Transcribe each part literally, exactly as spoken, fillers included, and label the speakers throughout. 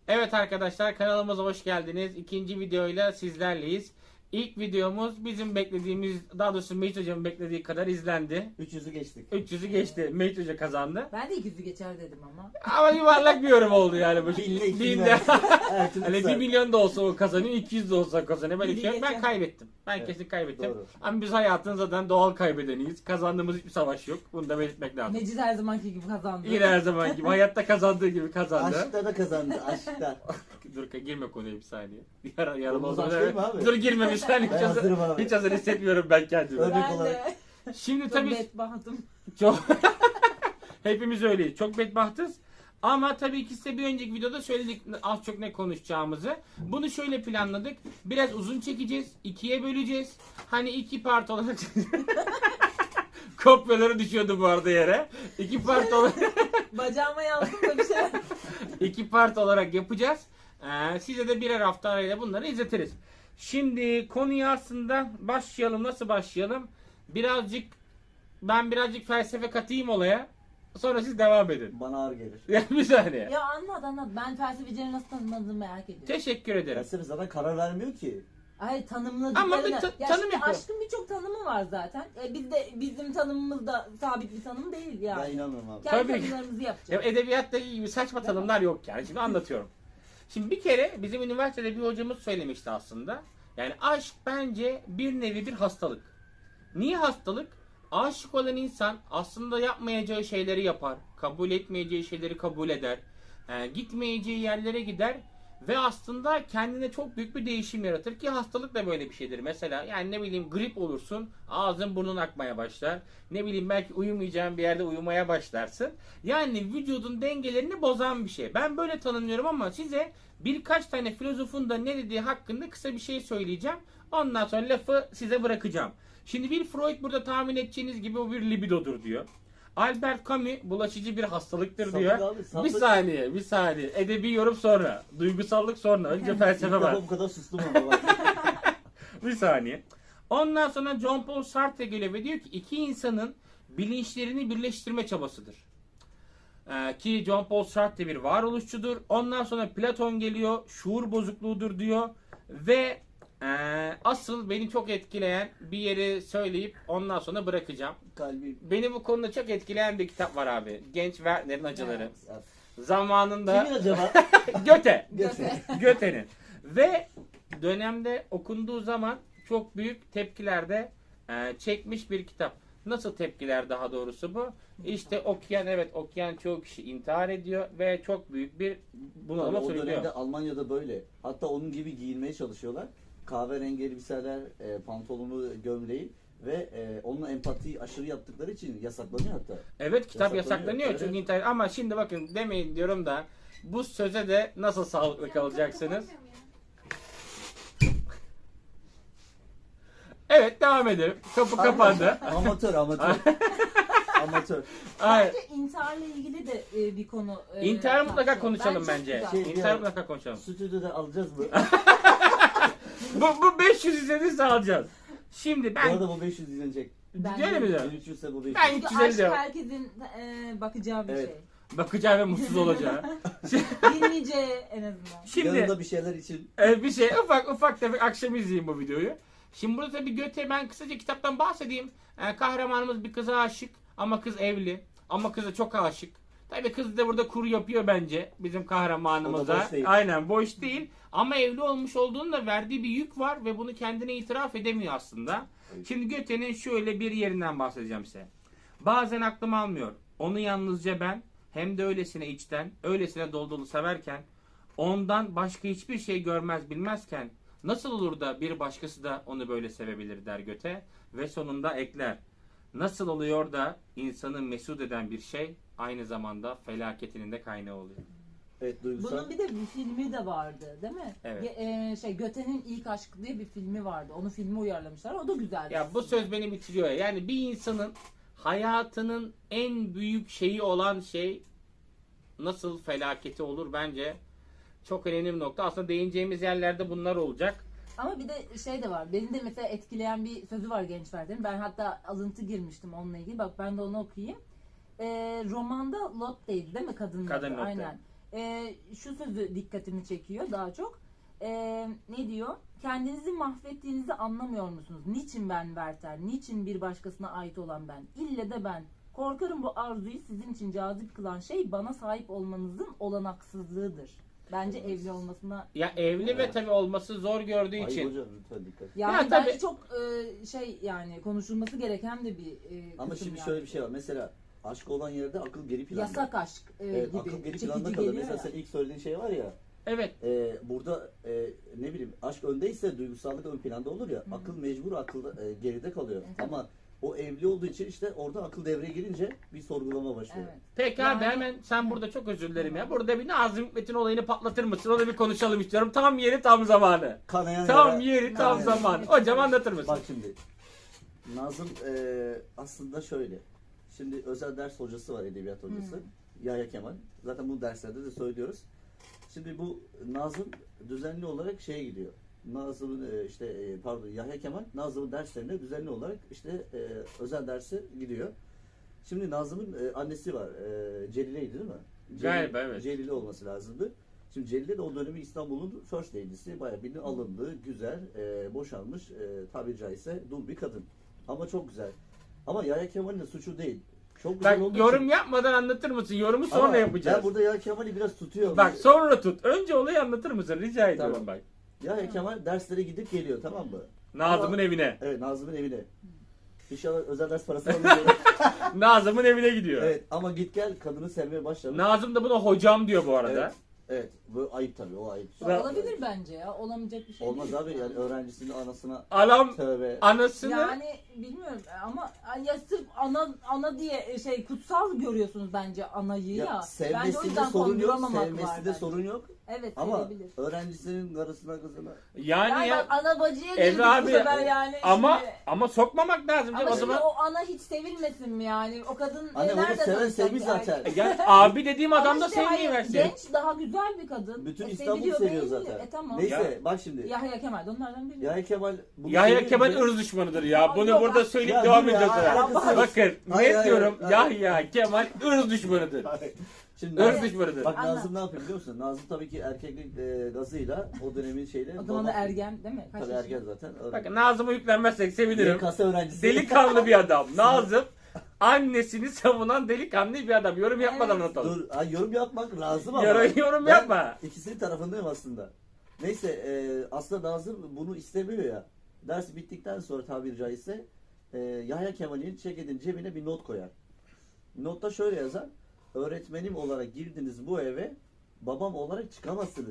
Speaker 1: Evet arkadaşlar, kanalımıza hoş geldiniz. İkinci videoyla sizlerleyiz. İlk videomuz bizim beklediğimiz, daha doğrusu Mehmet Hoca'nın beklediği kadar izlendi.
Speaker 2: üç yüzü geçtik.
Speaker 1: üç yüzü geçti. Mehmet Hoca kazandı.
Speaker 3: Ben de iki yüzü geçer dedim ama.
Speaker 1: Ama yuvarlak bir yorum oldu yani. Bu.
Speaker 2: Binle iki
Speaker 1: Binde.
Speaker 2: bin her türlü
Speaker 1: Hani bir
Speaker 2: kısa.
Speaker 1: milyon da olsa o kazanıyor, iki yüz de olsa kazanıyor. Böyle bir şey yok. Ben
Speaker 3: Geçen.
Speaker 1: kaybettim. Ben
Speaker 2: Evet,
Speaker 1: kesin kaybettim.
Speaker 2: doğru.
Speaker 1: Ama biz hayatın zaten doğal kaybedeniyiz. Kazandığımız hiçbir savaş yok. Bunu da belirtmek lazım.
Speaker 3: Mecid her zamanki gibi kazandı.
Speaker 1: Yine her zaman gibi. Hayatta kazandığı gibi kazandı.
Speaker 2: Aşkta da kazandı. Aşkta.
Speaker 1: Dur girme konuya bir saniye. Yara, yarım
Speaker 2: Konumuz
Speaker 1: oldu.
Speaker 2: aşk değil mi abi?
Speaker 1: Dur girme bir saniye.
Speaker 2: Ben
Speaker 1: Hiç hazır,
Speaker 2: hazırım abi.
Speaker 1: hiç hazır hissetmiyorum ben kendimi.
Speaker 2: Örnek
Speaker 3: Ben
Speaker 2: olarak.
Speaker 3: de.
Speaker 1: Şimdi
Speaker 3: Çok
Speaker 1: tabii
Speaker 3: bedbahtım.
Speaker 1: çok hepimiz öyleyiz. Çok bedbahtız. Ama tabii ki size bir önceki videoda söyledik az çok ne konuşacağımızı. Bunu şöyle planladık. Biraz uzun çekeceğiz. İkiye böleceğiz. Hani iki part olarak kopyaları düşüyordu bu arada yere. İki part olarak
Speaker 3: Bacağıma yazdım da bir şey.
Speaker 1: İki part olarak yapacağız. Ee, size de birer hafta arayla bunları izletiriz. Şimdi konuya aslında başlayalım. Nasıl başlayalım? Birazcık ben birazcık felsefe katayım olaya. Sonra siz devam edin.
Speaker 2: Bana ağır gelir.
Speaker 1: Ya bir saniye.
Speaker 3: Ya anlat anlat. Ben felsefecileri nasıl tanımladığını merak ediyorum.
Speaker 1: Teşekkür ederim.
Speaker 2: Felsefe zaten karar vermiyor ki.
Speaker 3: Hayır tanımladıklarını.
Speaker 1: Ama bir ta-
Speaker 3: ya
Speaker 1: tanım
Speaker 3: şimdi
Speaker 1: yapıyor.
Speaker 3: aşkın birçok tanımı var zaten. E, biz de bizim tanımımız da sabit bir tanım değil yani.
Speaker 2: Ben inanmıyorum abi.
Speaker 3: Kendi
Speaker 1: Tabii ki.
Speaker 3: tanımlarımızı
Speaker 1: Ya
Speaker 3: yapacağız.
Speaker 1: edebiyattaki gibi saçma tanımlar yok yani. Şimdi anlatıyorum. Şimdi bir kere bizim üniversitede bir hocamız söylemişti aslında. Yani aşk bence bir nevi bir hastalık. Niye hastalık? Aşık olan insan aslında yapmayacağı şeyleri yapar. Kabul etmeyeceği şeyleri kabul eder. e, gitmeyeceği yerlere gider. Ve aslında kendine çok büyük bir değişim yaratır ki hastalık da böyle bir şeydir. Mesela yani ne bileyim grip olursun, ağzın burnun akmaya başlar. Ne bileyim belki uyumayacağın bir yerde uyumaya başlarsın. Yani vücudun dengelerini bozan bir şey. Ben böyle tanımlıyorum ama size birkaç tane filozofun da ne dediği hakkında kısa bir şey söyleyeceğim. Ondan sonra lafı size bırakacağım. Şimdi bir Freud burada tahmin edeceğiniz gibi o bir libidodur diyor. Albert Camus bulaşıcı bir hastalıktır
Speaker 2: Sapık
Speaker 1: diyor.
Speaker 2: abi, sapık.
Speaker 1: Bir saniye, bir saniye. Edebi yorum sonra. Duygusallık sonra. Önce
Speaker 2: İlk
Speaker 1: felsefe
Speaker 2: defa
Speaker 1: var.
Speaker 2: bu kadar sustum ama bak.
Speaker 1: Bir saniye. Ondan sonra John Paul Sartre geliyor ve diyor ki iki insanın bilinçlerini birleştirme çabasıdır. Ee, ki John Paul Sartre bir varoluşçudur. Ondan sonra Platon geliyor. Şuur bozukluğudur diyor. Ve ee, asıl beni çok etkileyen bir yeri söyleyip ondan sonra bırakacağım.
Speaker 2: Kalbim.
Speaker 1: Beni bu konuda çok etkileyen bir kitap var abi. Genç Werther'in Acıları.
Speaker 2: Ya,
Speaker 1: Zamanında
Speaker 2: Kimin acaba?
Speaker 1: Göte.
Speaker 2: Göte.
Speaker 1: Göte'nin. Ve dönemde okunduğu zaman çok büyük tepkilerde e, çekmiş bir kitap. Nasıl tepkiler daha doğrusu bu? İşte okuyan evet okuyan çoğu kişi intihar ediyor ve çok büyük bir
Speaker 2: Tabii
Speaker 1: bunalıma
Speaker 2: o
Speaker 1: sürüklüyor.
Speaker 2: dönemde Almanya'da böyle. Hatta onun gibi giyinmeye çalışıyorlar. Kahverengi elbiseler, e, pantolonu, gömleği ve e, onunla empati aşırı yaptıkları için yasaklanıyor hatta.
Speaker 1: Evet kitap
Speaker 2: Yasaklanıyor.
Speaker 1: yasaklanıyor
Speaker 2: Evet.
Speaker 1: çünkü internet ama şimdi bakın demeyin diyorum da bu söze de nasıl sağlıklı kalacaksınız? Evet devam edelim. Kapı kapandı.
Speaker 2: Amatör, amatör. Amatör.
Speaker 1: Hayır.
Speaker 3: Bence intiharla ilgili de e, bir konu. E,
Speaker 1: İntihar mutlaka
Speaker 3: tartışalım.
Speaker 1: konuşalım
Speaker 3: çok
Speaker 1: bence.
Speaker 3: güzel.
Speaker 2: Şey-
Speaker 1: İntihar mutlaka konuşalım.
Speaker 2: Stüdyoda alacağız mı?
Speaker 1: Bu, bu beş yüz izlenirse alacağız. Şimdi
Speaker 2: Bu
Speaker 1: ben...
Speaker 2: arada bu beş yüz izlenecek.
Speaker 3: Ben
Speaker 1: Öyle mi
Speaker 3: de-
Speaker 1: diyor?
Speaker 2: bin üç yüz ise bu beş yüz.
Speaker 1: Ben
Speaker 3: Çünkü
Speaker 1: üç yüz elli
Speaker 3: aşk
Speaker 1: diyorum.
Speaker 3: herkesin e, bakacağı bir
Speaker 2: Evet.
Speaker 3: şey.
Speaker 1: Bakacağı ve mutsuz olacağı.
Speaker 3: Dinleyeceği en azından.
Speaker 1: Şimdi
Speaker 2: Yanında bir şeyler için.
Speaker 1: e, bir şey ufak ufak tefek akşam izleyeyim bu videoyu. Şimdi burada tabii Göte ben kısaca kitaptan bahsedeyim. E, kahramanımız bir kıza aşık ama kız evli. Ama kıza çok aşık. Tabii kız da burada kuru yapıyor bence bizim
Speaker 2: O
Speaker 1: kahramanımıza.
Speaker 2: da boş değil.
Speaker 1: Aynen boş değil. Ama evli olmuş olduğunu da verdiği bir yük var ve bunu kendine itiraf edemiyor aslında.
Speaker 2: Evet.
Speaker 1: Şimdi Göte'nin şöyle bir yerinden bahsedeceğim size. Bazen aklım almıyor. Onu yalnızca ben hem de öylesine içten, öylesine dolu dolu severken ondan başka hiçbir şey görmez bilmezken nasıl olur da bir başkası da onu böyle sevebilir der Göte ve sonunda ekler. Nasıl oluyor da insanı mesut eden bir şey aynı zamanda felaketinin de kaynağı oluyor.
Speaker 2: Evet, duygusal.
Speaker 3: Bunun bir de bir filmi de vardı değil mi?
Speaker 1: Evet.
Speaker 3: Ge- e, şey Göte'nin İlk Aşkı diye bir filmi vardı. Onu filme uyarlamışlar. O da güzel.
Speaker 1: Ya bu söz beni bitiriyor ya. Yani bir insanın hayatının en büyük şeyi olan şey nasıl felaketi olur bence çok önemli bir nokta. Aslında değineceğimiz yerlerde bunlar olacak.
Speaker 3: Ama bir de şey de var. Beni de mesela etkileyen bir sözü var Genç Werther'in. Ben hatta alıntı girmiştim onunla ilgili. Bak ben de onu okuyayım. Ee, romanda Lotteydi değil mi kadının
Speaker 1: Kadın
Speaker 3: adı?
Speaker 1: Lotte.
Speaker 3: Aynen. e, şu sözü dikkatimi çekiyor daha çok. E, ne diyor? Kendinizi mahvettiğinizi anlamıyor musunuz? Niçin ben Werther? Niçin bir başkasına ait olan ben? İlle de ben. Korkarım bu arzuyu sizin için cazip kılan şey bana sahip olmanızın olanaksızlığıdır. Bence evli olmasına...
Speaker 1: Ya evli ve
Speaker 2: Evet.
Speaker 1: tabii olması zor gördüğü
Speaker 2: Ay
Speaker 1: için.
Speaker 2: hocam lütfen dikkat.
Speaker 3: Yani
Speaker 1: Ya
Speaker 3: bence
Speaker 1: tabii-
Speaker 3: çok e, şey yani konuşulması gereken de bir e,
Speaker 2: Ama
Speaker 3: kısım
Speaker 2: şimdi
Speaker 3: yani.
Speaker 2: şöyle bir şey var. Mesela aşk olan yerde akıl geri planda.
Speaker 3: Yasak aşk e,
Speaker 2: Evet,
Speaker 3: gibi
Speaker 2: akıl geri
Speaker 3: çekici
Speaker 2: planda kalır.
Speaker 3: geliyor
Speaker 2: Mesela
Speaker 3: ya.
Speaker 2: sen ilk söylediğin şey var ya.
Speaker 1: Evet.
Speaker 2: e, burada e, ne bileyim aşk öndeyse duygusallık ön planda olur ya. Akıl mecbur akılda e, geride kalıyor.
Speaker 3: Evet.
Speaker 2: Ama o evli olduğu için işte orada akıl devreye girince bir sorgulama başlıyor.
Speaker 3: Evet.
Speaker 1: Peki
Speaker 3: Yani-
Speaker 1: abi hemen sen burada çok özür dilerim ya. Burada bir Nazım Hikmet'in olayını patlatır mısın? Onu bir konuşalım istiyorum. Tam yeri tam zamanı.
Speaker 2: Kanayan
Speaker 1: Tam
Speaker 2: yara-
Speaker 1: yeri tam
Speaker 2: kanayan-
Speaker 1: zamanı. Hocam anlatır mısın?
Speaker 2: Bak şimdi. Nazım e, aslında şöyle. Şimdi özel ders hocası var, edebiyat hocası.
Speaker 3: Hmm.
Speaker 2: Yahya Kemal. Zaten bu derslerde de söylüyoruz. Şimdi bu Nazım düzenli olarak şeye gidiyor. Nazım'ın e, işte e, pardon Yahya Kemal Nazım'ın derslerine düzenli olarak işte e, özel derse gidiyor. Şimdi Nazım'ın e, annesi var. E, Celile'ydi değil mi? Celil-
Speaker 1: Galiba, evet.
Speaker 2: Celile olması lazımdı. Şimdi Celile de o dönemi İstanbul'un first lady'si. Bayağı bildiğin alımlı, güzel, e, boşanmış, e, tabiri caizse dul bir kadın. Ama çok güzel. Ama Yahya Kemal'in de suçu değil. Çok güzel
Speaker 1: Bak
Speaker 2: olduğu
Speaker 1: yorum
Speaker 2: için-
Speaker 1: yapmadan anlatır mısın? Yorumu sonra
Speaker 2: Ama
Speaker 1: yapacağız.
Speaker 2: Ben burada Yahya Kemal'i biraz tutuyorum.
Speaker 1: Bak sonra tut. Önce olayı anlatır mısın? Rica ediyorum
Speaker 2: Tamam.
Speaker 1: bak.
Speaker 2: Yahya Kemal derslere gidip geliyor, tamam mı?
Speaker 1: Nazım'ın
Speaker 2: Ama-
Speaker 1: evine.
Speaker 2: Evet, Nazım'ın evine. İnşallah özel ders parası alıyor.
Speaker 1: Nazım'ın evine gidiyor.
Speaker 2: Evet, ama git gel kadını sevmeye başlamış.
Speaker 1: Nazım da buna hocam diyor bu arada.
Speaker 2: Evet. Evet, bu ayıp tabii, o ayıp.
Speaker 3: Ya olabilir bence ya. Olamayacak bir şey
Speaker 2: Olmaz
Speaker 3: değil.
Speaker 2: abi, yani öğrencisinin anasına
Speaker 1: Adam
Speaker 2: tövbe.
Speaker 1: anasını
Speaker 3: Yani bilmiyorum ama ya sırf ana ana diye şey kutsal görüyorsunuz bence anayı ya.
Speaker 2: Ya,
Speaker 3: Bence o
Speaker 2: sevmesinde
Speaker 3: yüzden
Speaker 2: sorun yok,
Speaker 3: konduramamak var
Speaker 2: sevmesinde
Speaker 3: bence.
Speaker 2: sorun yok.
Speaker 3: Evet,
Speaker 2: Ama
Speaker 3: sevebilir.
Speaker 2: öğrencisinin karısına kızına.
Speaker 1: yani
Speaker 3: Yani
Speaker 1: ya
Speaker 3: bak ana bacıya
Speaker 1: Emre
Speaker 3: girdik
Speaker 1: abi,
Speaker 3: bu sefer yani.
Speaker 1: ama
Speaker 3: şimdi.
Speaker 1: ama sokmamak lazım
Speaker 3: Ama
Speaker 1: canım o
Speaker 3: şimdi
Speaker 1: zaman.
Speaker 3: o ana hiç sevilmesin mi yani? O kadın
Speaker 2: Anne
Speaker 3: e,
Speaker 2: onu
Speaker 3: nerede
Speaker 2: seven
Speaker 3: tanışacak
Speaker 2: sevmiş
Speaker 3: yani?
Speaker 2: zaten.
Speaker 1: Yani abi dediğim
Speaker 3: Ama
Speaker 1: adam da
Speaker 3: işte hayır,
Speaker 1: sevmeyi versin.
Speaker 3: genç daha güzel bir kadın.
Speaker 2: Bütün
Speaker 3: E,
Speaker 2: İstanbul
Speaker 3: seviliyor,
Speaker 2: seviyor
Speaker 3: beğeniliyor.
Speaker 2: zaten.
Speaker 3: E tamam.
Speaker 2: Neyse
Speaker 1: Ya-
Speaker 2: bak şimdi.
Speaker 3: Yahya Kemal de onlardan biri.
Speaker 2: Yahya Kemal bunu
Speaker 1: Yahya
Speaker 2: sevince-
Speaker 1: Kemal ırz düşmanıdır ya. Bunu
Speaker 3: Yok,
Speaker 1: burada
Speaker 3: ya-
Speaker 1: söyleyip
Speaker 2: Ya
Speaker 1: devam
Speaker 2: dur ya,
Speaker 1: edeceğiz.
Speaker 2: alakası
Speaker 1: ya.
Speaker 2: yok.
Speaker 1: Bakın
Speaker 2: Hayır,
Speaker 1: net
Speaker 2: hayır,
Speaker 1: diyorum
Speaker 2: hayır.
Speaker 1: Yahya Kemal ırz düşmanıdır.
Speaker 2: Şimdi
Speaker 1: Irz
Speaker 3: Evet.
Speaker 1: düşmanıdır.
Speaker 2: bak
Speaker 3: Anlat.
Speaker 2: Nazım ne yapıyor biliyor musun? Nazım tabii ki erkeklik e, gazıyla o dönemin şeyle.
Speaker 3: O zaman da
Speaker 2: baba-
Speaker 3: ergen değil mi? Kaç
Speaker 2: Tabii
Speaker 3: yaşında?
Speaker 2: ergen zaten.
Speaker 1: Bakın Nazım'a yüklenmezsek sevinirim.
Speaker 2: Y K S öğrencisi.
Speaker 1: Delikanlı bir adam. Nazım annesini savunan delikanlı bir adam. Yorum yapmadan
Speaker 3: Evet.
Speaker 1: anlatalım.
Speaker 2: Dur, ay, yorum yapmak lazım ama.
Speaker 1: Yorum, yorum
Speaker 2: Ben
Speaker 1: yapma.
Speaker 2: İkisinin tarafındayım aslında. Neyse e, aslında Nazım bunu istemiyor ya. Ders bittikten sonra tabiri caizse e, Yahya Kemal'in ceketinin cebine bir not koyar. Notta şöyle yazar. Öğretmenim olarak girdiniz bu eve, babam olarak çıkamazsınız.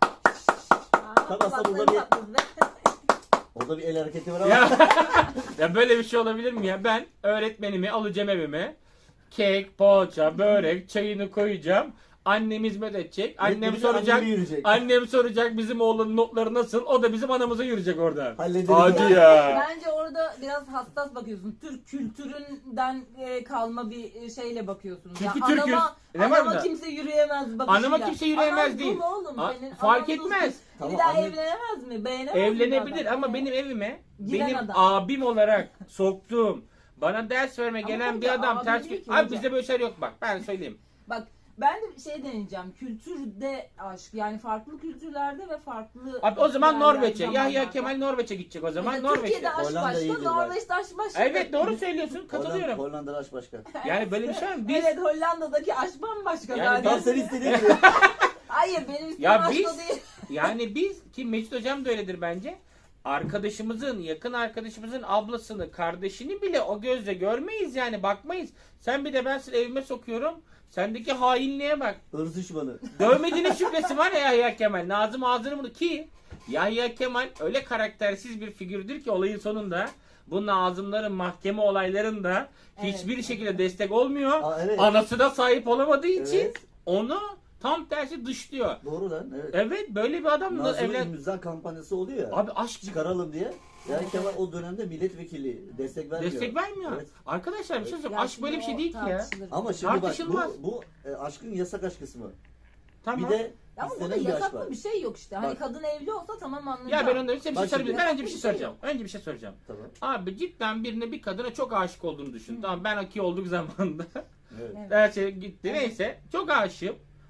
Speaker 3: Aa,
Speaker 2: Tabii aslında
Speaker 3: kulakları
Speaker 2: burada bir-
Speaker 3: patladı.
Speaker 2: Orada bir el hareketi var ama.
Speaker 1: Ya, ya böyle bir şey olabilir mi ya? Ben öğretmenimi alacağım evime. Kek, poğaça, börek, çayını koyacağım. Annem hizmet edecek. Annem
Speaker 2: Bir de
Speaker 1: soracak.
Speaker 2: annemi yürüyecek.
Speaker 1: Annem soracak bizim oğlunun notları nasıl? O da bizim anamıza yürüyecek orada.
Speaker 2: Hallederiz
Speaker 1: Hadi
Speaker 2: abi.
Speaker 1: ya.
Speaker 3: Bence orada biraz hassas bakıyorsun. Türk kültüründen e, kalma bir e, şeyle bakıyorsunuz.
Speaker 1: Çünkü
Speaker 3: ya
Speaker 1: Türk'üz.
Speaker 3: anama,
Speaker 1: Ne var
Speaker 3: anama
Speaker 1: bunda?
Speaker 3: kimse yürüyemez bakışıyla.
Speaker 1: Anama kimse yürüyemez
Speaker 3: Anam
Speaker 1: değil.
Speaker 3: bu mu oğlum?
Speaker 1: A-
Speaker 3: Senin
Speaker 1: fark
Speaker 3: anan bu.
Speaker 1: etmez.
Speaker 2: Tamam,
Speaker 3: bir daha
Speaker 2: anne-
Speaker 3: evlenemez mi? Beğenemez mi
Speaker 1: Evlenebilir
Speaker 3: adam?
Speaker 1: ama
Speaker 3: Evet.
Speaker 1: benim evime
Speaker 3: Giren
Speaker 1: benim
Speaker 3: adam.
Speaker 1: abim olarak soktuğum, bana ders verme
Speaker 3: Ama
Speaker 1: gelen bir
Speaker 3: burada
Speaker 1: adam
Speaker 3: abi
Speaker 1: ters...
Speaker 3: değil ki
Speaker 1: Abi
Speaker 3: hocam.
Speaker 1: bizde böyle şeyler yok bak ben söyleyeyim.
Speaker 3: Bak ben de şey deneyeceğim. Kültürde aşk. Yani farklı kültürlerde ve farklı...
Speaker 1: Abi o zaman
Speaker 3: yerlerde,
Speaker 1: Norveç'e. Yahya
Speaker 3: zamanlarda.
Speaker 1: Kemal Norveç'e gidecek o zaman
Speaker 3: Mesela Türkiye'de
Speaker 1: Norveç'e.
Speaker 3: aşk
Speaker 2: Hollanda
Speaker 3: başka,
Speaker 2: iyidir
Speaker 3: Norveç'te aşk başka.
Speaker 1: Evet doğru söylüyorsun
Speaker 2: Hollanda,
Speaker 1: katılıyorum.
Speaker 2: Hollanda'da aşk başka.
Speaker 1: Yani böyle bir şey var mı? Biz
Speaker 3: Evet Hollanda'daki aşk bambaşka
Speaker 1: Yani
Speaker 3: zaten.
Speaker 2: Tam sen istediğin gibi.
Speaker 3: Hayır benim istediğim
Speaker 1: Ya
Speaker 3: aşk
Speaker 1: biz-
Speaker 3: o değil.
Speaker 1: yani biz ki Mecit hocam da öyledir bence. Arkadaşımızın, yakın arkadaşımızın ablasını, kardeşini bile o gözle görmeyiz yani bakmayız. Sen bir de ben seni evime sokuyorum. Sendeki hainliğe bak.
Speaker 2: Irz düşmanı.
Speaker 1: Dövmediğinin şüphesi var ya Yahya Kemal. Nazım ağzını bunu ki Yahya Kemal öyle karaktersiz bir figürdür ki olayın sonunda bu Nazımların mahkeme olaylarında
Speaker 3: Evet.
Speaker 1: hiçbir şekilde destek olmuyor.
Speaker 2: Aa, evet.
Speaker 1: Anasına sahip olamadığı için
Speaker 2: Evet.
Speaker 1: onu tam tersi dışlıyor.
Speaker 2: Doğru lan, evet.
Speaker 1: Evet böyle bir adamla
Speaker 2: Nazım'ın
Speaker 1: evlen...
Speaker 2: imza kampanyası oluyor ya.
Speaker 1: Abi aşk
Speaker 2: Çıkaralım diye. Yani Kemal o dönemde milletvekili destek vermiyor.
Speaker 1: destek vermiyor.
Speaker 2: Evet.
Speaker 1: Arkadaşlar bir şey söyleyeyim.
Speaker 3: Ya
Speaker 1: Aşk böyle bir şey
Speaker 3: şimdi
Speaker 1: değil
Speaker 3: o
Speaker 1: ki ya.
Speaker 3: tartışılır.
Speaker 2: Ama şimdi bak
Speaker 1: Tartışılmaz.
Speaker 2: bu, bu e, aşkın yasak aşk kısmı.
Speaker 1: Tamam.
Speaker 2: Bir de
Speaker 3: Ama burada
Speaker 2: istenen bir aşk
Speaker 3: yasaklı
Speaker 2: var.
Speaker 3: bir şey yok işte. Hani
Speaker 2: Bak.
Speaker 3: kadın evli olsa tamam anlayacağım.
Speaker 1: Ya ben ondan size bir şey
Speaker 2: Bak
Speaker 1: sorabilirim.
Speaker 2: şimdi-
Speaker 1: Ben önce bir şey
Speaker 3: Bir şey
Speaker 1: soracağım. Önce bir şey soracağım.
Speaker 2: Tamam.
Speaker 1: Abi cidden birine bir kadına çok aşık olduğunu düşün. Tamam ben aki olduk zamanında.
Speaker 2: Evet.
Speaker 3: Evet.
Speaker 1: Her şey gitti.
Speaker 3: Evet.
Speaker 1: Neyse. Çok aşığım.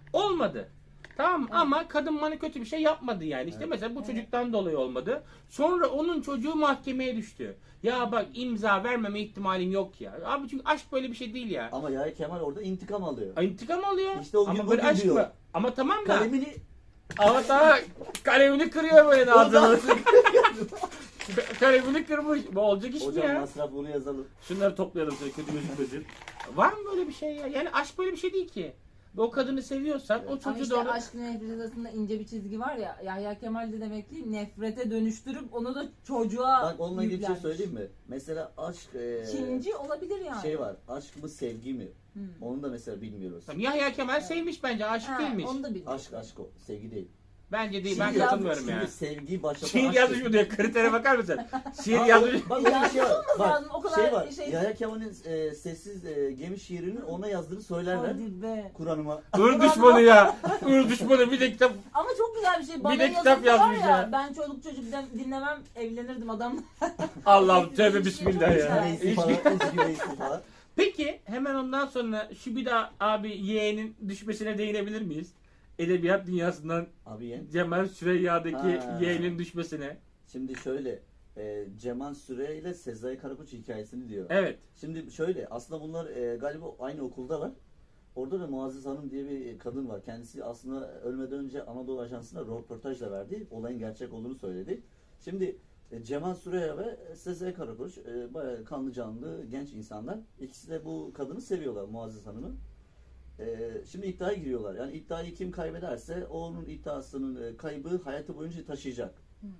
Speaker 1: Olmadı. Tamam mı? Ama kadın bana kötü bir şey yapmadı yani. İşte
Speaker 2: Evet.
Speaker 1: mesela bu
Speaker 3: Evet.
Speaker 1: çocuktan dolayı olmadı. Sonra onun çocuğu mahkemeye düştü. Ya bak imza vermeme ihtimalin yok ya. Abi çünkü aşk böyle bir şey değil ya.
Speaker 2: Ama Yahya Kemal orada intikam alıyor.
Speaker 1: Ay, İntikam alıyor.
Speaker 2: İşte o gün
Speaker 1: Ama böyle
Speaker 2: bugün
Speaker 1: aşk
Speaker 2: diyor.
Speaker 1: mı? Ama tamam da.
Speaker 2: Kalemini
Speaker 1: Ama daha kalemini kırıyor böyle ağzını. Kalemini kırmış. Bu olacak iş mi
Speaker 2: hocam
Speaker 1: ya?
Speaker 2: masraf bunu yazalım.
Speaker 1: Şunları toplayalım şöyle kötü gözükmesin. Var mı böyle bir şey ya? Yani aşk böyle bir şey değil ki. Ve o kadını seviyorsan o
Speaker 3: Ama
Speaker 1: çocuğu
Speaker 3: işte
Speaker 1: da ona...
Speaker 3: aşk nefret arasında ince bir çizgi var ya. Yahya Kemal de demek ki nefrete dönüştürüp onu da çocuğa
Speaker 2: Bak onunla ilgili bir şey
Speaker 3: yüklenmiş.
Speaker 2: söyleyeyim mi? Mesela aşk e,
Speaker 3: Kinci olabilir yani.
Speaker 2: şey var. Aşk mı sevgi mi?
Speaker 3: Hmm.
Speaker 2: Onu da mesela bilmiyoruz.
Speaker 1: Tamam, Yahya Kemal sevmiş bence. Aşık
Speaker 3: Ha,
Speaker 1: değilmiş.
Speaker 3: onu da biliyorum.
Speaker 2: Aşk aşk o. Sevgi değil.
Speaker 1: Bence değil. Ben
Speaker 3: Şimdi
Speaker 1: katılmıyorum
Speaker 2: Şimdi
Speaker 1: ya.
Speaker 2: sevgi başlatan
Speaker 1: Şiir
Speaker 2: aşk
Speaker 1: yazmış
Speaker 2: değil.
Speaker 1: mı diyor. Kritere bakar mısın? Şiir
Speaker 2: Abi,
Speaker 1: yazmış.
Speaker 2: Bak öyle bir şey var.
Speaker 3: Yazmamız
Speaker 2: Bak
Speaker 3: lazım, o kadar
Speaker 2: şey var.
Speaker 3: şey-
Speaker 2: Yahya Kemal'in e, sessiz e, gemi şiirini ona yazdığını söylerler.
Speaker 3: Hadi be.
Speaker 2: Kur'an'ıma.
Speaker 1: Hır düşmanı ya. Hır düşmanı bir de kitap.
Speaker 3: Ama çok güzel bir şey. Bana
Speaker 1: de kitap
Speaker 3: yazılsa var
Speaker 1: yazmış ya.
Speaker 3: Ben çoluk çocuk din- dinlemem, evlenirdim adamla.
Speaker 1: Allah'ım tövbe
Speaker 3: Çok
Speaker 1: bismillah
Speaker 3: güzel.
Speaker 1: ya.
Speaker 2: Reisi
Speaker 1: Hiç-
Speaker 2: falan. Eski reisi falan.
Speaker 1: Peki hemen ondan sonra şu bir daha abi yeğenin düşmesine değinebilir miyiz? Edebiyat dünyasından
Speaker 2: Abi yen.
Speaker 1: Cemal Süreyya'daki
Speaker 2: Ha.
Speaker 1: yeğenin düşmesine.
Speaker 2: Şimdi şöyle. E, Cemal Süre ile Sezai Karakoç hikayesini diyor.
Speaker 1: Evet.
Speaker 2: Şimdi şöyle aslında bunlar e, galiba aynı okuldalar. Orada da Muazzez Hanım diye bir kadın var. Kendisi aslında ölmeden önce Anadolu Ajansı'na röportaj da verdi. Olayın gerçek olduğunu söyledi. Şimdi e, Cemal Süreya ve Sezai Karakoç e, bayağı kanlı canlı genç insanlar. İkisi de bu kadını seviyorlar, Muazzez Hanım'ı. E, şimdi iddiaya giriyorlar. Yani iddiayı kim kaybederse onun iddiasının e, kaybı hayatı boyunca taşıyacak.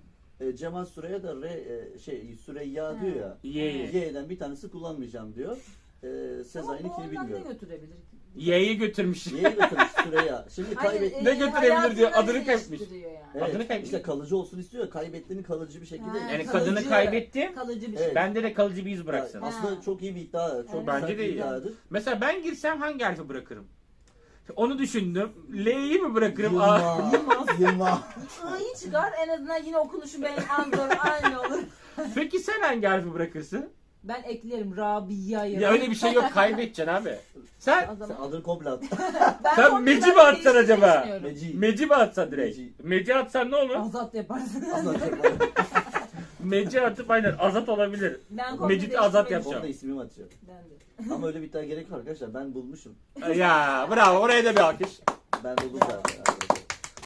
Speaker 2: E, Cemal Süreya da re, e, şey Süreyya diyor ya.
Speaker 1: Yeği.
Speaker 2: Y'den bir tanesi kullanmayacağım diyor. Ee,
Speaker 3: Ama bu
Speaker 2: Sezai'ninkini
Speaker 3: ondan ne
Speaker 2: bilmiyorum.
Speaker 3: götürebilir ki?
Speaker 1: Yeği götürmüş.
Speaker 2: Y'yi götürmüş Süreyya. Şimdi
Speaker 3: Hayır,
Speaker 2: kaybet...
Speaker 3: e,
Speaker 1: Ne götürebilir diyor,
Speaker 3: hayatını
Speaker 1: adını kaybetmiş.
Speaker 3: değiştiriyor yani.
Speaker 2: Evet,
Speaker 1: adını kaybetmiş.
Speaker 2: işte kalıcı olsun istiyor. Kaybettiğini kalıcı bir şekilde...
Speaker 3: Ha,
Speaker 1: Yani
Speaker 3: kalıcı-
Speaker 1: kadını kaybetti.
Speaker 3: Kalıcı bir
Speaker 2: Evet.
Speaker 3: şey.
Speaker 1: Bende de kalıcı bir iz
Speaker 2: Ya,
Speaker 1: bıraksın.
Speaker 2: aslında
Speaker 3: Ha.
Speaker 2: çok iyi bir iddia. Çok
Speaker 3: Evet.
Speaker 1: Bence
Speaker 2: güzel
Speaker 1: de
Speaker 2: bir
Speaker 1: iyi.
Speaker 2: iddiadır.
Speaker 1: Mesela ben girsem hangi harfi bırakırım? Onu düşündüm. L'yi mi bırakırım? A-
Speaker 2: Yılmaz. Yılmaz.
Speaker 3: I'yı çıkar en azından yine okunuşu benim anlarım aynı olur.
Speaker 1: Peki sen hangi harfi bırakırsın?
Speaker 3: Ben eklerim Rabia'yı.
Speaker 1: Ya öyle bir şey yok, kaybedeceksin abi. Sen
Speaker 3: O
Speaker 2: Sen
Speaker 3: zaman
Speaker 2: adını komple at.
Speaker 3: ben
Speaker 1: sen
Speaker 3: komple
Speaker 1: Meci mi
Speaker 3: ben
Speaker 1: atsan acaba?
Speaker 3: değiştirmeyi
Speaker 2: Meci.
Speaker 1: Meci mi atsan direkt?
Speaker 2: Meci.
Speaker 1: Meci atsan ne olur?
Speaker 3: Azat yaparsın.
Speaker 2: Anlatacak.
Speaker 1: Meci atıp aynen azat olabilir.
Speaker 3: Ben komple
Speaker 1: Mecit'i azat
Speaker 3: değiştirmeyi-
Speaker 1: yapacağım.
Speaker 2: Onu da ismimi atacağım.
Speaker 3: Ben de.
Speaker 2: Ama öyle bir iddia gerek var arkadaşlar. Ben bulmuşum.
Speaker 1: Ya bravo, oraya da bir alkış.
Speaker 2: Ben buldum zaten arkadaşlar.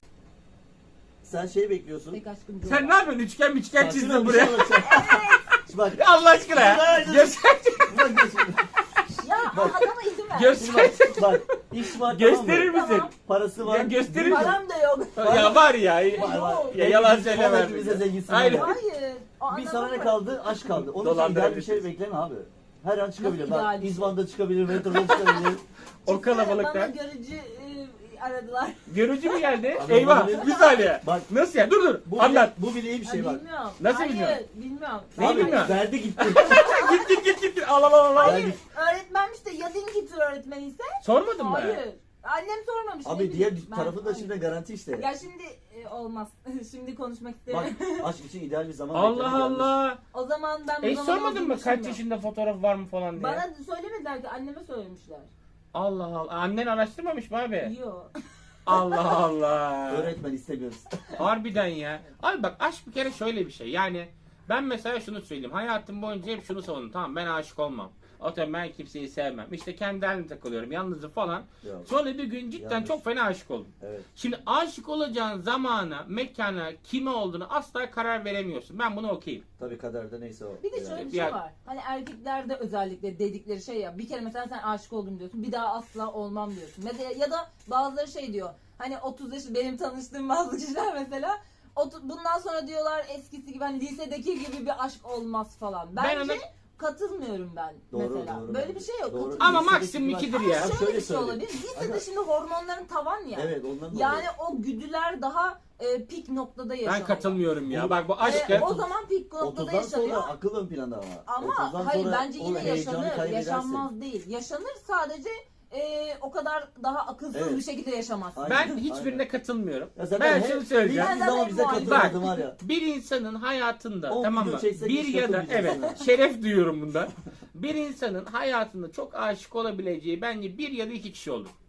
Speaker 2: Sen şey bekliyorsun.
Speaker 3: Tek aşkım Joe.
Speaker 1: Sen ne yapıyorsun? Üçgen üçgen
Speaker 2: Saçına
Speaker 1: çizdin
Speaker 2: bir şey
Speaker 1: buraya.
Speaker 2: anlatacağım. Şimdi bak.
Speaker 1: Allah aşkına ya. Göster.
Speaker 2: Bak, şimdi-
Speaker 3: Ya adama izin ver.
Speaker 1: Göster.
Speaker 2: Şimdi bak. Bak. İş var,
Speaker 1: Gösterir
Speaker 2: tamam mı?
Speaker 1: misin?
Speaker 3: Tamam.
Speaker 2: Parası var.
Speaker 1: Ya gösterir misin?
Speaker 3: Param da yok.
Speaker 1: Ya var ya.
Speaker 2: Var, var.
Speaker 1: Ya yalan
Speaker 2: Biz
Speaker 1: söyleme.
Speaker 2: vallahi bize zenginsin
Speaker 1: Aynen.
Speaker 2: ama.
Speaker 3: Hayır. O
Speaker 2: Bir
Speaker 3: adama
Speaker 2: sana ne
Speaker 3: bak.
Speaker 2: kaldı? Aşk kaldı. Onun için ideal bir
Speaker 1: Dolandırabilirsiniz.
Speaker 2: şey bekleme abi. Her an çıkabilir.
Speaker 3: Nasıl ideal
Speaker 2: Bak
Speaker 3: bir şey?
Speaker 2: İzban'da çıkabilir, metroda çıkabilir.
Speaker 1: O
Speaker 3: Bana
Speaker 1: kalabalıkta.
Speaker 3: görücü e, aradılar.
Speaker 1: Görücü mü geldi?
Speaker 2: Abi,
Speaker 1: Eyvah.
Speaker 2: olabilir.
Speaker 1: Bir saniye.
Speaker 2: Bak
Speaker 1: Nasıl ya? Dur dur.
Speaker 2: bu
Speaker 1: Anlat.
Speaker 2: bile, bu bile iyi bir şey
Speaker 3: Ha,
Speaker 2: bak.
Speaker 3: bilmiyorum.
Speaker 1: Nasıl
Speaker 3: Hayır,
Speaker 1: bilmiyorum?
Speaker 3: bilmiyorum.
Speaker 1: Neyi
Speaker 2: Abi
Speaker 1: bilmiyorum?
Speaker 2: verdi gitti.
Speaker 1: git git git git git. Al al al al.
Speaker 3: Hayır.
Speaker 2: Verdik.
Speaker 3: Öğretmenmiş de ya din kültürü öğretmeni ise?
Speaker 1: Sormadın mı?
Speaker 3: Hayır. Annem sormamış. ne
Speaker 2: Abi
Speaker 3: bileyim.
Speaker 2: diğer
Speaker 3: Ben-
Speaker 2: tarafı da şimdi garanti işte.
Speaker 3: Ya şimdi e, olmaz. Şimdi konuşmak
Speaker 2: Bak
Speaker 3: istemiyorum.
Speaker 2: aşk için ideal bir zaman
Speaker 1: Allah
Speaker 2: beklemek yanlış.
Speaker 1: Allah.
Speaker 3: O zaman ben bu
Speaker 1: E
Speaker 3: zaman
Speaker 1: sormadın
Speaker 3: olduğunu
Speaker 1: mı kaç
Speaker 3: düşünmüyorum.
Speaker 1: yaşında fotoğraf var mı falan diye?
Speaker 3: Bana söylemediler ki anneme söylemişler.
Speaker 1: Allah Allah. Annen araştırmamış mı abi?
Speaker 3: Yok.
Speaker 1: Allah Allah.
Speaker 2: Öğretmen istemiyoruz.
Speaker 1: Harbiden ya. Abi bak aşk bir kere şöyle bir şey. Yani ben mesela şunu söyleyeyim. Hayatım boyunca hep şunu savundum. Tamam ben aşık olmam. Atıyorum ben kimseyi sevmem. İşte kendi halimle takılıyorum. Yalnızım falan.
Speaker 2: Yok.
Speaker 1: Sonra bir gün cidden
Speaker 2: Yanlış.
Speaker 1: çok fena aşık oldum.
Speaker 2: Evet.
Speaker 1: Şimdi aşık olacağın zamana, mekana, kime olduğunu asla karar veremiyorsun. Ben bunu okuyayım.
Speaker 2: Tabii kaderde neyse o.
Speaker 3: Bir de şöyle
Speaker 2: Yani.
Speaker 3: bir şey
Speaker 1: Yani-
Speaker 3: var. Hani erkeklerde özellikle dedikleri şey ya. Bir kere mesela sen aşık oldum diyorsun. Bir daha asla olmam diyorsun. Mesela ya da bazıları şey diyor. Hani otuz yaş benim tanıştığım bazı kişiler mesela otu- bundan sonra diyorlar eskisi gibi hani lisedeki gibi bir aşk olmaz falan.
Speaker 1: Ben
Speaker 3: Bence
Speaker 1: ona-
Speaker 3: katılmıyorum ben
Speaker 2: Doğru,
Speaker 3: mesela.
Speaker 2: doğru
Speaker 3: Böyle
Speaker 2: bence.
Speaker 3: bir şey yok.
Speaker 2: Doğru.
Speaker 3: Katılmıyorum.
Speaker 1: Ama
Speaker 2: Lisedeki
Speaker 1: maksimum
Speaker 2: bir-
Speaker 1: ikidir
Speaker 2: Ama
Speaker 1: ya.
Speaker 3: Şöyle
Speaker 2: şöyle
Speaker 3: bir şey
Speaker 2: söyleyeyim.
Speaker 3: olabilir. Lisede
Speaker 2: Aga-
Speaker 3: şimdi hormonların tavan ya.
Speaker 2: Evet ondan dolayı.
Speaker 3: Yani o güdüler daha e, pik noktada yaşanıyor.
Speaker 1: Ben katılmıyorum ya.
Speaker 2: Onu-
Speaker 1: Bak bu
Speaker 3: E,
Speaker 1: aşkı...
Speaker 3: o zaman pik noktada
Speaker 2: otuzdan
Speaker 3: yaşanıyor.
Speaker 2: sonra akıl ön planda ama.
Speaker 3: Ama
Speaker 2: otuzdan
Speaker 3: hayır
Speaker 2: sonra
Speaker 3: bence
Speaker 2: o
Speaker 3: yine
Speaker 2: heyecanı
Speaker 3: yaşanır.
Speaker 2: kaybedersin.
Speaker 3: Yaşanmaz değil. Yaşanır sadece e, o kadar daha akılsız
Speaker 2: Evet.
Speaker 3: bir şekilde yaşamazsın.
Speaker 2: Aynen.
Speaker 1: Ben hiçbirine katılmıyorum.
Speaker 2: Ya zaten
Speaker 1: Ben
Speaker 2: her-
Speaker 1: şunu söyleyeceğim.
Speaker 2: Bildiğin zaman bize
Speaker 3: Bak,
Speaker 2: katılmadı var ya.
Speaker 1: Bir insanın hayatında
Speaker 2: On
Speaker 1: tamam
Speaker 2: video
Speaker 1: mı?
Speaker 2: çeksek
Speaker 1: Bir
Speaker 2: hiç
Speaker 1: ya da
Speaker 2: katılmayacağız
Speaker 1: evet
Speaker 2: sana.
Speaker 1: şeref duyuyorum bundan. Bir insanın hayatında çok aşık olabileceği bence bir ya da iki kişi olur.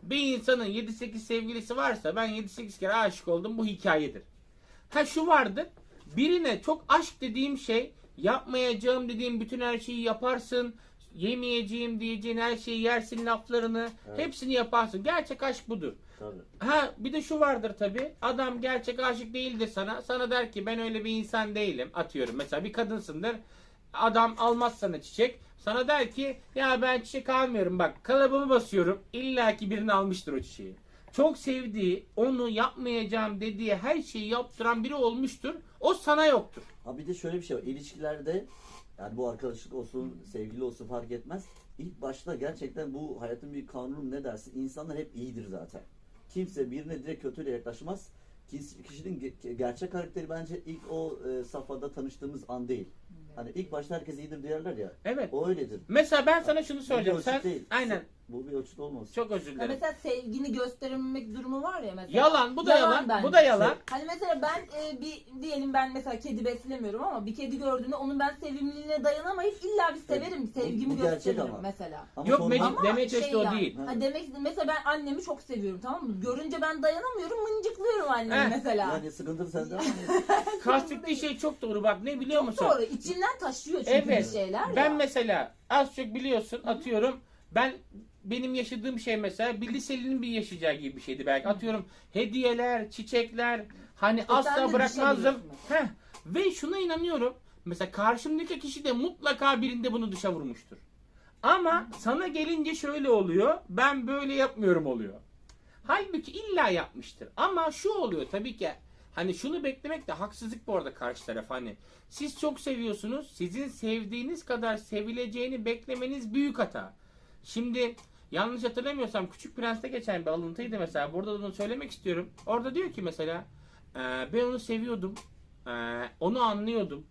Speaker 1: Bir insanın yedi sekiz sevgilisi varsa ben yedi sekiz kere aşık oldum, bu hikayedir. Ha şu vardır. Birine çok aşk dediğim şey, yapmayacağım dediğim bütün her şeyi yaparsın. Yemeyeceğim diyeceğin her şeyi yersin laflarını.
Speaker 2: Evet.
Speaker 1: Hepsini yaparsın. Gerçek aşk budur.
Speaker 2: Tabii.
Speaker 1: Ha bir de şu vardır tabi. Adam gerçek aşık değildir sana. Sana der ki ben öyle bir insan değilim. Atıyorum mesela bir kadınsındır. Adam almaz sana çiçek. Sana der ki ya ben çiçek almıyorum, bak kalıbımı basıyorum. İlla ki birini almıştır o çiçeği. Çok sevdiği, onu yapmayacağım dediği her şeyi yaptıran biri olmuştur. O sana yoktur.
Speaker 2: Ha bir de şöyle bir şey var. İlişkilerde yani bu arkadaşlık olsun, sevgili olsun fark etmez. İlk başta gerçekten bu hayatın bir kanunu ne dersin? İnsanlar hep iyidir zaten. Kimse birine direkt kötüyle yaklaşmaz. Kişinin ge- gerçek karakteri bence ilk o e, safhada tanıştığımız an değil. Hani ilk başta herkes iyidir diyorlar ya.
Speaker 1: Evet.
Speaker 2: O öyledir.
Speaker 1: Mesela ben sana şunu
Speaker 2: Bu bir
Speaker 1: söyleyeceğim.
Speaker 2: ölçüt
Speaker 1: Sen
Speaker 2: değil.
Speaker 1: aynen.
Speaker 2: Bu bir ölçüt olmaz.
Speaker 1: Çok özür
Speaker 3: Ya
Speaker 1: dilerim.
Speaker 3: mesela sevgini gösterememek durumu var ya mesela.
Speaker 1: Yalan, bu da yalan.
Speaker 3: bence.
Speaker 1: Bu da yalan.
Speaker 3: Hani mesela ben e, bir diyelim ben mesela kedi beslemiyorum ama bir kedi gördüğümde onun ben sevimliliğine dayanamayıp illa bir severim,
Speaker 2: Bu-
Speaker 3: sevgimi
Speaker 2: bu gerçek
Speaker 3: gösteririm
Speaker 2: ama.
Speaker 3: mesela.
Speaker 2: Ama
Speaker 1: Yok
Speaker 2: sonra-
Speaker 1: Mecit,
Speaker 3: Ama
Speaker 1: demeye
Speaker 3: şey
Speaker 1: çalıştığı o
Speaker 3: yani,
Speaker 1: değil.
Speaker 3: Ha demek istedim, mesela ben annemi çok seviyorum, tamam mı? Görünce ben dayanamıyorum, mıncıklıyorum annemi
Speaker 1: Heh.
Speaker 3: mesela.
Speaker 2: Yani sıkıntı sende ama.
Speaker 1: Kastettiği şey çok doğru, bak ne biliyor
Speaker 3: Çok
Speaker 1: musun?
Speaker 3: doğru. İçinden taşıyor çünkü
Speaker 1: Evet.
Speaker 3: bir şeyler
Speaker 1: Ben
Speaker 3: ya.
Speaker 1: mesela az çok biliyorsun, atıyorum ben benim yaşadığım şey mesela bir liselinin bir yaşayacağı gibi bir şeydi belki. Atıyorum hediyeler, çiçekler, hani
Speaker 3: E sen de
Speaker 1: asla bırakmazdım.
Speaker 3: düşebiliyorsun
Speaker 1: Heh. Ve şuna inanıyorum. Mesela karşımdaki kişi de mutlaka birinde bunu dışa vurmuştur. Ama sana gelince şöyle oluyor. Ben böyle yapmıyorum oluyor. Halbuki illa yapmıştır. Ama şu oluyor tabii ki. Hani şunu beklemek de haksızlık bu arada karşı taraf. Hani siz çok seviyorsunuz. Sizin sevdiğiniz kadar sevileceğini beklemeniz büyük hata. Şimdi yanlış hatırlamıyorsam Küçük Prens'te geçen bir alıntıydı mesela. Burada da onu söylemek istiyorum. Orada diyor ki mesela "Ee, ben onu seviyordum. Ee, onu anlıyordum.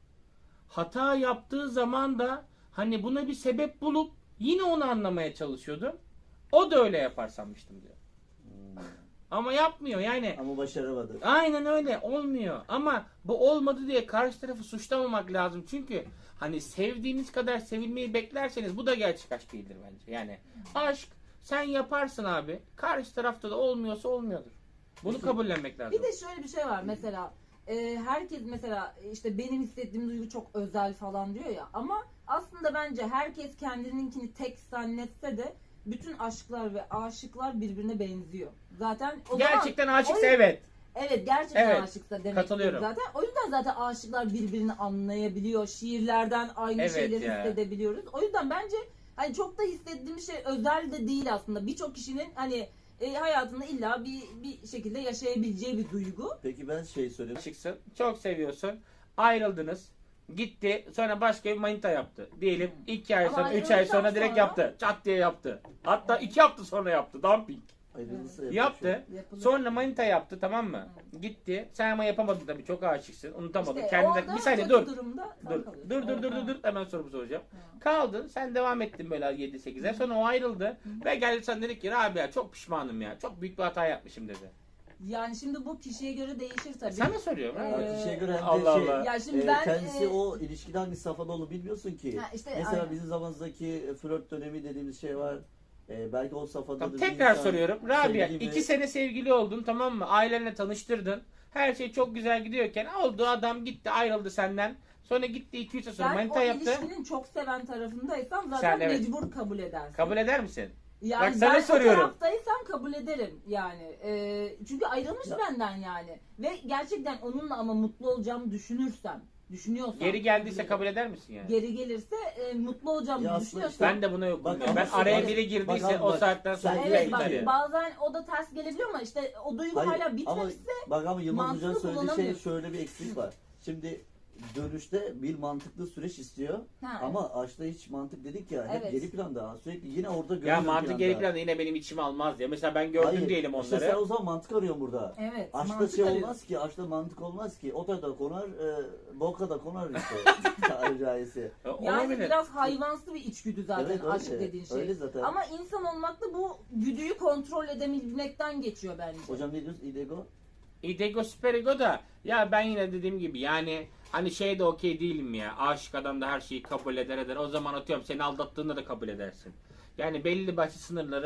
Speaker 1: Hata yaptığı zaman da hani buna bir sebep bulup yine onu anlamaya çalışıyordum. O da öyle yapar sanmıştım diyor.
Speaker 2: Hmm.
Speaker 1: Ama yapmıyor yani.
Speaker 2: Ama başaramadı.
Speaker 1: Aynen öyle olmuyor. Ama bu olmadı diye karşı tarafı suçlamamak lazım. Çünkü hani sevdiğiniz kadar sevilmeyi beklerseniz bu da gerçek aşk değildir bence. Yani aşk sen yaparsın abi. Karşı tarafta da olmuyorsa olmuyordur. Bunu kabullenmek lazım.
Speaker 3: Bir de şöyle bir şey var mesela, e, herkes mesela işte benim hissettiğim duygu çok özel falan diyor ya, ama aslında bence herkes kendininkini tek zannetse de bütün aşklar ve aşıklar birbirine benziyor. Zaten o
Speaker 1: Gerçekten
Speaker 3: zaman,
Speaker 1: aşıksa
Speaker 3: o yüzden-
Speaker 1: evet.
Speaker 3: Evet, gerçekten
Speaker 1: Evet,
Speaker 3: aşıksa demek
Speaker 1: katılıyorum.
Speaker 3: zaten. O yüzden zaten aşıklar birbirini anlayabiliyor. Şiirlerden aynı
Speaker 1: Evet
Speaker 3: şeyleri
Speaker 1: ya.
Speaker 3: hissedebiliyoruz. O yüzden bence hani çok da hissettiğimiz şey özel de değil aslında. Birçok kişinin hani e, hayatında illa bir bir şekilde yaşayabileceği bir duygu.
Speaker 2: Peki ben şey söyleyeyim.
Speaker 1: Aşıksın. Çok seviyorsun. Ayrıldınız. Gitti. Sonra başka bir manita yaptı. Diyelim iki ay
Speaker 3: Ama
Speaker 1: sonra, üç ay
Speaker 3: ayrıldıktan
Speaker 1: sonra direkt
Speaker 3: sonra-
Speaker 1: yaptı. Çat diye yaptı. Hatta iki hafta sonra yaptı. Dumping.
Speaker 2: Ayrılırsa
Speaker 1: Yaptı.
Speaker 3: Yapılır.
Speaker 1: Sonra manita yaptı, tamam mı? Gitti. Sen ama yapamadın tabii. Çok aşıksın. Unutamadın.
Speaker 3: İşte
Speaker 1: Kendine...
Speaker 3: orada
Speaker 1: Bir saniye
Speaker 3: kötü
Speaker 1: dur.
Speaker 3: durumda sen
Speaker 1: Dur.
Speaker 3: kalıyorsun.
Speaker 1: Dur dur dur dur
Speaker 3: Evet.
Speaker 1: dur. Hemen sorumu soracağım.
Speaker 3: Evet.
Speaker 1: Kaldın. Sen devam ettin böyle yedi sekize. Sonra o ayrıldı. Ve geldi sen dedi ki Rabia çok pişmanım ya. Çok büyük bir hata yapmışım dedi.
Speaker 3: Yani şimdi bu kişiye göre değişir tabii.
Speaker 1: Sana soruyorum. ha?
Speaker 3: Ee,
Speaker 2: Bak kişiye göre hem de
Speaker 1: Allah
Speaker 2: şey,
Speaker 1: Allah.
Speaker 3: Ya şimdi
Speaker 2: e,
Speaker 3: ben,
Speaker 2: kendisi
Speaker 3: e,
Speaker 2: o ilişkide hangi safhada olduğunu bilmiyorsun ki.
Speaker 3: Ha, işte
Speaker 2: Mesela
Speaker 3: aynen.
Speaker 2: bizim zamanımızdaki flört dönemi dediğimiz şey var. E, belki o safhada
Speaker 1: Tamam,
Speaker 2: bir
Speaker 1: tekrar
Speaker 2: insan
Speaker 1: soruyorum. Rabia
Speaker 2: sevgili
Speaker 1: iki
Speaker 2: ve-
Speaker 1: sene sevgili oldun, tamam mı? Ailenle tanıştırdın. Her şey çok güzel gidiyorken oldu, adam gitti ayrıldı senden. Sonra gitti iki üç ay sonra
Speaker 3: sen
Speaker 1: manita
Speaker 3: o
Speaker 1: yaptı.
Speaker 3: ilişkinin çok seven tarafındaysan zaten
Speaker 1: Sen, evet.
Speaker 3: mecbur kabul edersin.
Speaker 1: Kabul eder misin?
Speaker 3: Yani
Speaker 1: Bak sana
Speaker 3: ben
Speaker 1: soruyorum.
Speaker 3: o taraftaysam kabul ederim yani. Ee, çünkü ayrılmış
Speaker 2: Ya.
Speaker 3: benden yani. Ve gerçekten onunla ama mutlu olacağımı düşünürsem, düşünüyorsam.
Speaker 1: Geri geldiyse
Speaker 3: ederim.
Speaker 1: kabul eder misin yani?
Speaker 3: Geri gelirse e, mutlu olacağımı
Speaker 2: Ya aslında
Speaker 3: düşünüyorsam.
Speaker 1: Ben de buna yokum.
Speaker 2: Bak
Speaker 1: ya.
Speaker 2: ama
Speaker 1: Ben
Speaker 2: şu-
Speaker 1: araya
Speaker 3: evet.
Speaker 1: biri girdiyse
Speaker 2: Bak abi
Speaker 1: o
Speaker 2: bak,
Speaker 1: saatten sonra
Speaker 2: sen-
Speaker 1: direkt
Speaker 3: Evet bak,
Speaker 1: gider ya.
Speaker 3: bazen o da ters gelebiliyor ama işte o duygu
Speaker 2: Hayır,
Speaker 3: hala
Speaker 2: ama
Speaker 3: bitmemişse
Speaker 2: bak ama Yılmaz
Speaker 3: mantığını
Speaker 2: Hoca'nın söylediği şey
Speaker 3: kullanamıyorsun.
Speaker 2: şöyle bir eksik var. Şimdi dönüşte bir mantıklı süreç istiyor.
Speaker 3: Ha,
Speaker 2: Ama aşkta hiç mantık dedik ya hep
Speaker 3: Evet.
Speaker 2: geri planda. Sürekli yine orada
Speaker 1: Ya
Speaker 2: görüyorum
Speaker 1: mantık geri planda yine benim içime almaz ya. Mesela ben gördüm
Speaker 2: Hayır,
Speaker 1: diyelim
Speaker 2: işte sen
Speaker 1: onları.
Speaker 2: o zaman mantık arıyorsun burada.
Speaker 3: evet.
Speaker 2: Aşkta
Speaker 3: mantık
Speaker 2: şey
Speaker 3: arıyorsun.
Speaker 2: olmaz ki, aşkta mantık olmaz ki. Ota da konar, e, boka da konar işte. Tabiri caizse.
Speaker 1: E,
Speaker 3: Yani
Speaker 1: Olabilir.
Speaker 3: biraz hayvansı bir içgüdü zaten
Speaker 2: Evet, öyle.
Speaker 3: aşk dediğin şey.
Speaker 2: Öyle zaten.
Speaker 3: Ama insan olmakta bu güdüyü kontrol edebilmekten geçiyor bence.
Speaker 2: Hocam ne diyorsun? İdego?
Speaker 1: İdego Superigo da ya ben yine dediğim gibi yani hani şey de okey değilim ya. Aşık adam da her şeyi kabul eder eder. O zaman atıyorum seni aldattığında da kabul edersin. Yani belli başlı sınırları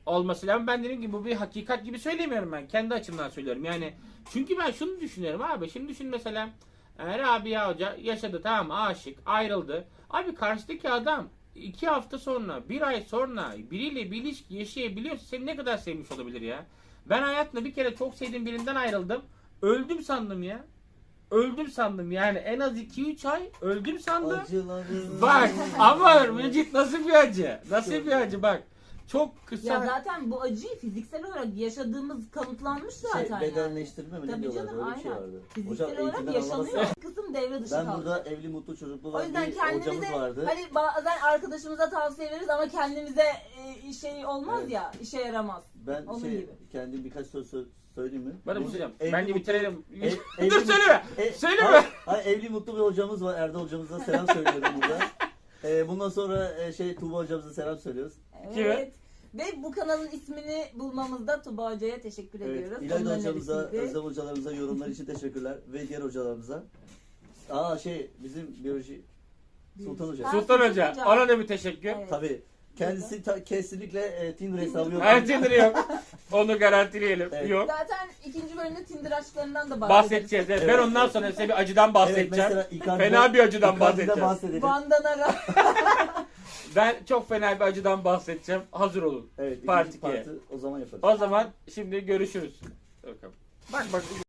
Speaker 1: olması lazım. Ben dediğim gibi bu bir hakikat gibi söylemiyorum ben. Kendi açımdan söylüyorum. Yani çünkü ben şunu düşünüyorum abi. Şimdi düşün mesela e, Rabia Hoca yaşadı, tamam mı? Aşık, ayrıldı. Abi karşıdaki adam iki hafta sonra, bir ay sonra biriyle bir ilişki yaşayabiliyorsa seni ne kadar sevmiş olabilir ya? Ben hayatımda bir kere çok sevdiğim birinden ayrıldım. Öldüm sandım ya. Öldüm sandım yani en az iki üç ay öldüm sandım.
Speaker 2: Acılarım.
Speaker 1: Bak ama Mecit nasıl bir acı? Nasıl bir acı bak. Çok kısa.
Speaker 3: Ya zaten bu acıyı fiziksel olarak yaşadığımız kanıtlanmış zaten
Speaker 2: Şey,
Speaker 3: yani.
Speaker 2: bedenleştirme mi ne
Speaker 3: Tabii
Speaker 2: diyorlar?
Speaker 3: canım,
Speaker 2: Öyle bir şey
Speaker 3: aynen.
Speaker 2: vardı.
Speaker 3: Fiziksel
Speaker 2: Hocam
Speaker 3: olarak
Speaker 2: eğitimden
Speaker 3: yaşanıyor.
Speaker 2: anlamazsın.
Speaker 3: Kısım devre dışı
Speaker 2: Ben
Speaker 3: kaldı.
Speaker 2: burada evli mutlu çocuklu
Speaker 3: O
Speaker 2: var
Speaker 3: yüzden
Speaker 2: bir hocamız
Speaker 3: kendimize
Speaker 2: vardı.
Speaker 3: hani bazen arkadaşımıza tavsiye veririz ama kendimize e, şey olmaz
Speaker 2: Evet.
Speaker 3: ya, işe yaramaz.
Speaker 2: Ben
Speaker 3: Onun
Speaker 2: şey
Speaker 3: gibi.
Speaker 2: kendim birkaç söz sö- söyleyeyim mi?
Speaker 1: Bana bir
Speaker 2: Bu
Speaker 1: şey diyeceğim.
Speaker 2: evli
Speaker 1: Bence
Speaker 2: mutlu-
Speaker 1: bitirelim.
Speaker 2: ev-
Speaker 1: Dur
Speaker 2: evli-
Speaker 1: söyleme.
Speaker 2: E,
Speaker 1: Söyleme.
Speaker 2: Hayır, hayır, evli mutlu bir hocamız var. Erdal hocamıza selam söylüyorum burada. E, bundan sonra e, şey Tuğba hocamıza selam söylüyoruz.
Speaker 3: Evet. Ve bu kanalın ismini bulmamızda Tuba Hoca'ya teşekkür
Speaker 2: Evet,
Speaker 3: ediyoruz.
Speaker 2: İlayda
Speaker 3: Onun
Speaker 2: hocamıza,
Speaker 3: önerisiydi.
Speaker 2: Özlem hocalarımıza yorumlar için teşekkürler. Ve diğer hocalarımıza. Aa şey bizim biyoloji Sultan Hoca.
Speaker 3: Ha,
Speaker 1: Sultan Hoca.
Speaker 3: Hoca.
Speaker 1: Ona da bir teşekkür.
Speaker 3: Evet.
Speaker 2: Tabii. Kendisi ta- kesinlikle e, Tinder hesabı yok.
Speaker 1: Her Tinder yok. Onu garantileyelim.
Speaker 2: Evet.
Speaker 1: Yok.
Speaker 3: Zaten ikinci bölümde Tinder aşklarından da
Speaker 1: Bahsedeceğiz. Evet. Ben
Speaker 2: Evet.
Speaker 1: ondan sonra size bir acıdan
Speaker 2: Evet,
Speaker 1: bahsedeceğim.
Speaker 2: mesela Icardi'den-
Speaker 1: Fena bir acıdan
Speaker 2: Icardi'den
Speaker 1: bahsedeceğim.
Speaker 2: bahsedelim.
Speaker 3: Vandanara.
Speaker 1: Ben çok fena bir acıdan bahsedeceğim. Hazır olun.
Speaker 2: Evet,
Speaker 1: Part
Speaker 2: ikinci
Speaker 1: ikiye.
Speaker 2: partı o zaman yaparız.
Speaker 1: O zaman şimdi görüşürüz. Bakalım. Bak bak.